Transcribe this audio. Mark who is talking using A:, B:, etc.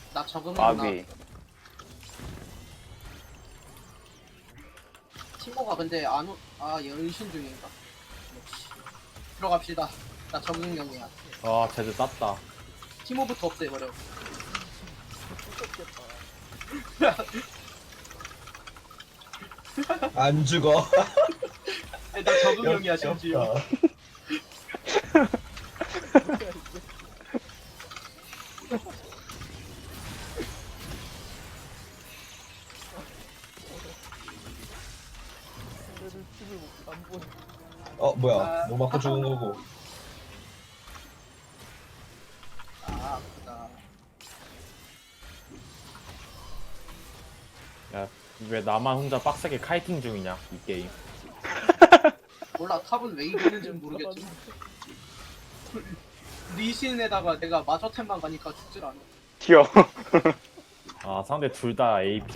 A: 나 적응했나?
B: 마비.
A: 티모가 근데 안 오... 얘 은신 중인가? 역시. 들어갑시다. 나 적응형이야.
C: 아 제드 땄다.
A: 티모부터 없애버려.
D: 안 죽어.
A: 나 적응형이야 심지어.
D: 역겹다. 뭐야? 뭐 맞고 죽은 거고.
A: 아프다.
C: 야 왜 나만 혼자 빡세게 카이팅 중이냐 이 게임.
A: 몰라 탑은 왜 이기는지는 모르겠지. 리신에다가 내가 마저템만 가니까 죽질 않아.
B: 튀어.
C: 아 상대 둘 다 AP